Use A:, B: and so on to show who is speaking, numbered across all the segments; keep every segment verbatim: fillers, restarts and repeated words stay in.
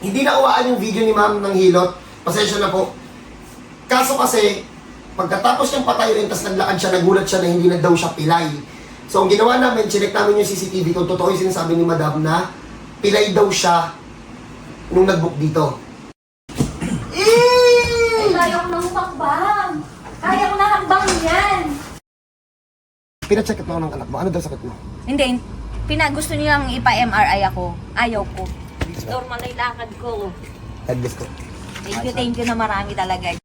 A: Hindi nakuhaan yung video ni ma'am ng hilot. Pasensya na po. Kaso kasi, pagkatapos niyang patayuin, tas naglakad siya, nagulat siya na hindi na daw siya pilay. So, ang ginawa namin, chinek namin yung C C T V kung totoo yung sinasabi ni madam na pilay daw siya nung nag-book dito.
B: Ay, kaya ko nang hakbang. Kaya ko na hakbang yan.
A: Pina-check up na ako ng anak mo. Ano daw sakit mo?
B: Hindi, pina gusto nilang ipa-M R I ako. Ayaw ko. Normal na yung lakad ko.
A: Headless ko.
B: Thank you, thank you na marami talaga.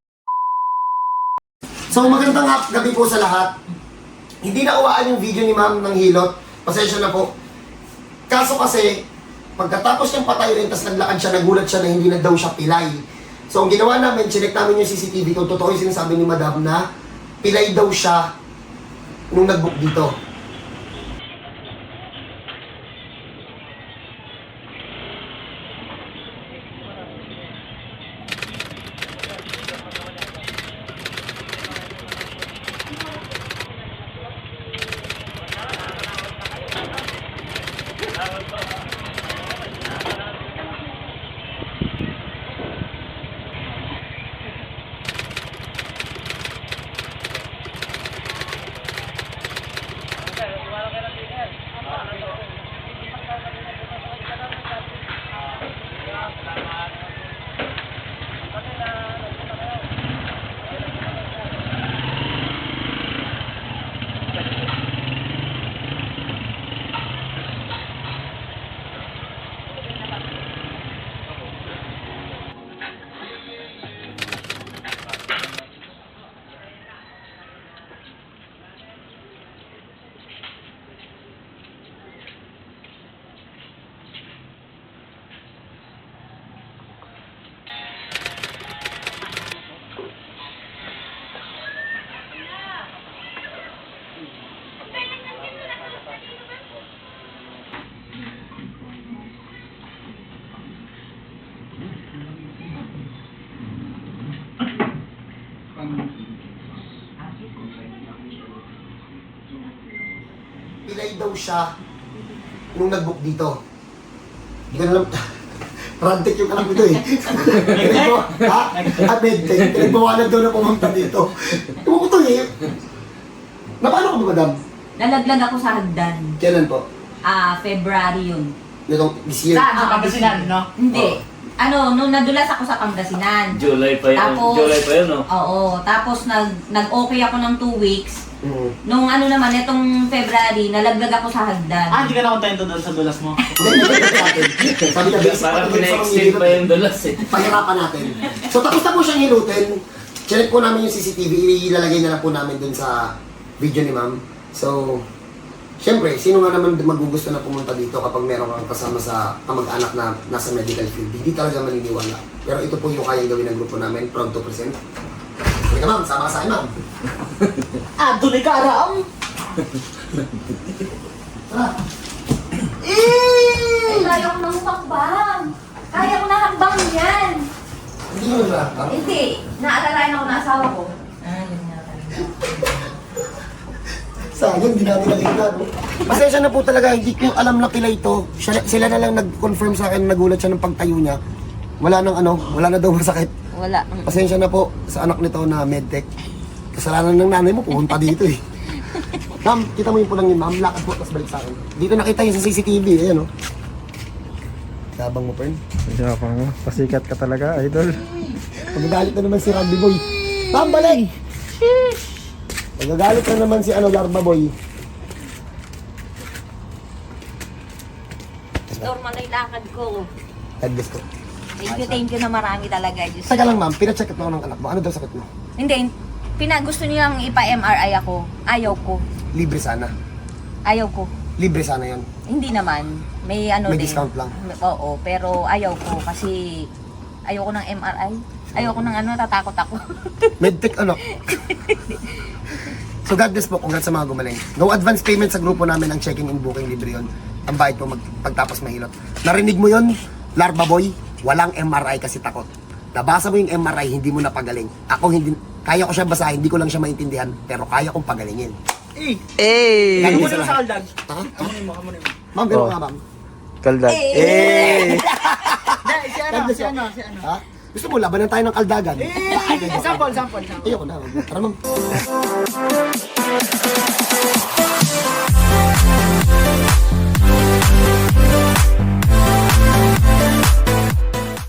A: So, magandang hap- gabi po sa lahat. Hindi nakuhaan yung video ni ma'am ng hilot. Pasensya na po. Kaso kasi, pagkatapos niyang patayuin, tas naglakad siya, nagulat siya na hindi na daw siya pilay. So, ang ginawa namin, chinek namin yung C C T V kung totoo yung sinasabi ni madam na pilay daw siya nung nag-book dito. Pilay daw siya nung nag-book dito. Ganun lang. Rantic yung anak nito eh. Pinagbawa, ha? Ah, medtech. Pinagbawalan daw na pumunta dito. Ewan ko to eh. Na paano ka ba, madam?
B: Nalaglag ako sa hagdan.
A: Kailan po?
B: Ah, February yun.
A: Itong this year.
C: Saan? Sa Pangasinan, no?
B: Hindi.
A: Oo.
B: Ano, nung nadulas ako sa Pangasinan.
D: July pa yun.
B: Tapos-
D: July pa yun, no?
B: Oo, tapos nag nag-okay ako ng two weeks.
A: Mm.
B: Nung ano naman, itong February, nalaglag ako sa hagdan.
C: Ah, hindi ka na kontento doon sa dulas mo.
A: Hindi, hindi, hindi natin. Sabi na, basic
D: Parang
A: pa
D: pina-extend pa yung dulas eh.
A: Pahirapan natin. So, tapos na po siyang hilutin. Check po namin yung C C T V. Ilalagay na lang po namin dun sa video ni ma'am. So, syempre, sino nga naman magugusto na pumunta dito kapag meron kang kasama sa kamag-anak na nasa medical field? Hindi talaga maniniwala. Pero ito po yung kayang gawin ng grupo namin. Proud to present. Halika ma'am, sama ka sa akin ma'am.
C: Ah, tuloy ka, Aram!
A: Tara.
B: Ay, kaya ko nang hakbang. Kaya ko na hakbang yan.
A: Hindi mo na ba?
B: Hindi. Naalalain ako ng asawa ko. Ah, yun nga pala.
A: Sayang, hindi namin nakita. No? Pasensya na po talaga, hindi ko alam na pila ito. Siya, sila na lang nag-confirm sa akin, nagulat siya ng pagtayo niya. Wala nang ano, wala na daw masakit.
B: Wala.
A: Pasensya na po sa anak nito na medtech. Kasalanan ng nanay mo, pumunta dito eh. Ma'am, kita mo yung pulang yun, ma'am. Lakad po, tapos balik sa akin. Dito nakita yung sa C C T V, ayan o. Sabang mo, Pern.
E: Yabang mo. Pasikat ka talaga, idol.
A: Magagalit na naman si Randy Boy. Ma'am, balik! Magagalit na naman si ano, Larva Boy.
B: Normal na yung lakad ko.
A: Headless ko.
B: Thank you, thank you na marami talaga. Diyos.
A: Teka lang, ma'am. Pina-check up na ako ng anak mo. Ano daw sakit mo?
B: Hindi, pina gusto nilang ipa-M R I ako. Ayaw ko.
A: Libre sana.
B: Ayaw ko.
A: Libre sana yan.
B: Hindi naman. May ano
A: May
B: din.
A: discount lang.
B: Oo, pero ayaw ko kasi ayoko ng M R I. Ayoko ng ano, tatakot ako.
A: Medtech anak. So God bless po, congrats sa mga gumaling. No advance payment sa grupo namin, ang checking in booking libre yun. Ang bayad po mag, pagtapos mahilot. Narinig mo yun, Larva Boy? Walang M R I kasi takot. Nabasa mo yung M R I, hindi mo napagaling. Ako hindi, kaya ko siya basahin, hindi ko lang siya maintindihan, pero kaya kong pagalingin.
C: Eh!
E: Eh!
A: Ganun
C: Ano
A: sa
C: mo
A: lahat.
C: sa kaldag?
A: Ha?
C: Kamunin mo, kamunin mo.
A: Ma'am, ganun
E: Oh.
A: nga ma'am.
E: Kaldag.
B: Eh!
E: Eh!
C: si ano, si ano, si ano.
A: Ha? Gusto mo, labanan tayo ng kaldagan?
C: Eh, sample, sample, sample.
A: Ayoko na. Tara, ma'am.